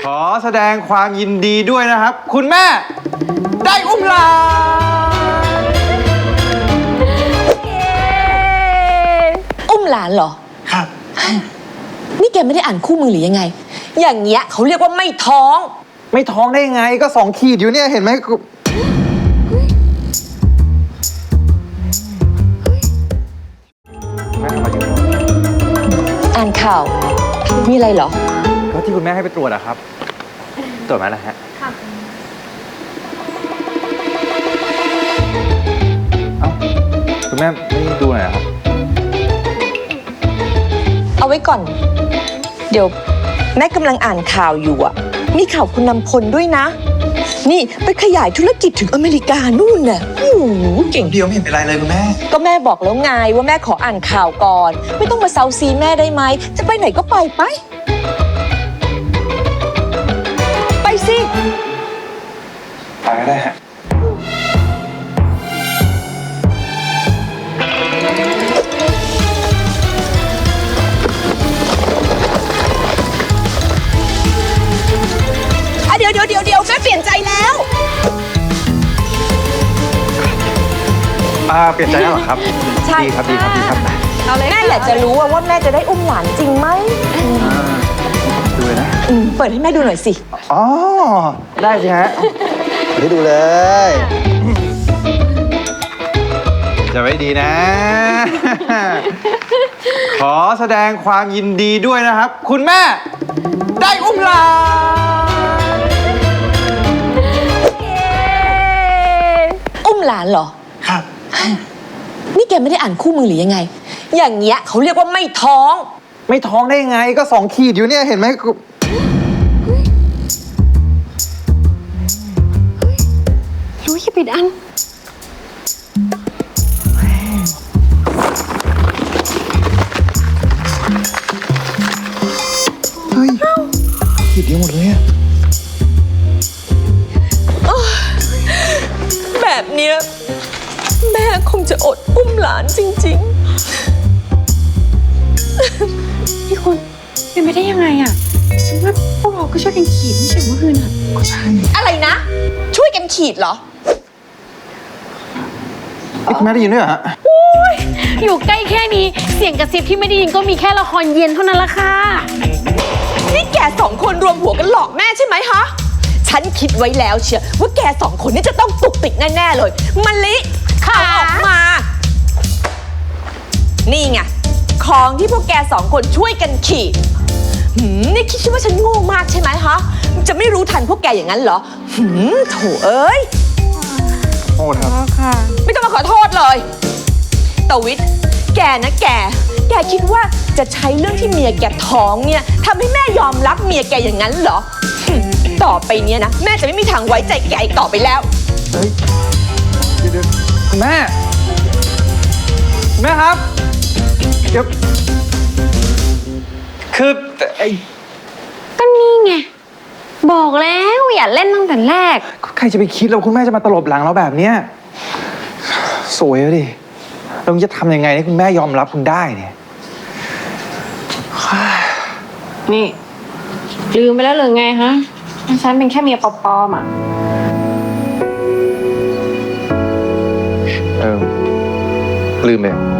อแสดงความยินดีด้วยนะครับคุณแม่ได้อุ้มหลานอุ้มหลานเหรอครับนี่แกไม่ได้อ่านคู่มือหรือยังไงอย่างเงี้ยเขาเรียกว่าไม่ท้องไม่ท้องได้ยังไงก็2 ขีดอยู่เนี่ยเห็นไหมแม่ทำอะไรอยู่อ่านข่าวมีอะไรเหรอก็ที่คุณแม่ให้ไปตรวจอะครับตรวจมาแล้วฮะค่ะเอ้าคุณแม่ไม่ดูหน่อยครับเอาไว้ก่อนเดี๋ยวแม่กำลังอ่านข่าวอยู่อ่ะมีข่าวคุณนำพลด้วยนะนี่ไปขยายธุรกิจถึงอเมริกานู่นน่ะโอ้โหเก่งเดียวไม่เห็นเป็นไรเลยคุณแม่ก็แม่บอกแล้วไงว่าแม่ขออ่านข่าวก่อนไม่ต้องมาเซาซีแม่ได้ไหมจะไปไหนก็ไปไปสิไปก็ได้ฮะเดี๋ยวแม่เปลี่ยนใจแล้วเปลี่ยนใจแล้วเหรอครับใช่ดีครับแม่อยากจะรู้ว่าแม่จะได้อุ้มหลานจริงไหมดูเลยนะเปิดให้แม่ดูหน่อยสิอ๋อได้สิฮะเปิดให้ดูเลย จะไม่ดีนะ ขอแสดงความยินดีด้วยนะครับคุณแม่ได้อุ้มหลานอุ้มหลานเหรอครับนี่แกไม่ได้อ่านคู่มือหรือยังไงอย่างเงี้ยเขาเรียกว่าไม่ท้องไม่ท้องได้ยังไงก็2 ขีดอยู่เนี่ยเห็นไหมรู้อย่าปิดอันเฮ้ยขีดเดียวหมดเลยอะแบบเนี้ยแม่คงจะอดอุ้มหลานจริงๆพี่คุณเป็นไปได้ยังไงอะฉันว่าพวกเราก็ช่วยกันขีดไม่ใช่เมื่อคืนอะก็ใช่อะไรนะช่วยกันขีดเหรอคุณแม่ได้ยินด้วยเหรอฮะอยู่ใกล้แค่นี้เสียงกระซิบที่ไม่ได้ยินก็มีแค่ละครเย็นเท่านั้นละค่ะนี่แก2 คนรวมหัวกันหลอกแม่ใช่ไหมฮะฉันคิดไว้แล้วเชียวว่าแก2 คนนี่จะต้องตุกติกแน่ๆเลยมะลิข่าวออกมานี่ไงของที่พวกแก2 คนช่วยกันขีดนี่คิดว่าฉันโง่มากใช่ไหมฮะจะไม่รู้ทันพวกแกอย่างนั้นเหรอโถเอ้ยโทษครับค่ะไม่ต้องมาขอโทษเลยตวิทย์แกนะแกคิดว่าจะใช้เรื่องที่เมียแกท้องเนี่ยทำให้แม่ยอมรับเมียแกอย่างนั้นเหรอต่อไปเนี้ยนะแม่จะไม่มีทางไว้ใจแกอีกต่อไปแล้วเฮ้ยเดี๋ยวคุณแม่ครับเดี๋ยวคือก็นี่ไงบอกแล้วอย่าเล่นตั้งแต่แรกใครจะไปคิดแล้วคุณแม่จะมาตลบหลังเราแบบเนี้ยสวยเลยดิเราจะทำยังไงให้คุณแม่ยอมรับคุณได้เนี่ยนี่ลืมไปแล้วหรือไงฮะฉันเป็นแค่เมียปลอมอ่ะลืมไป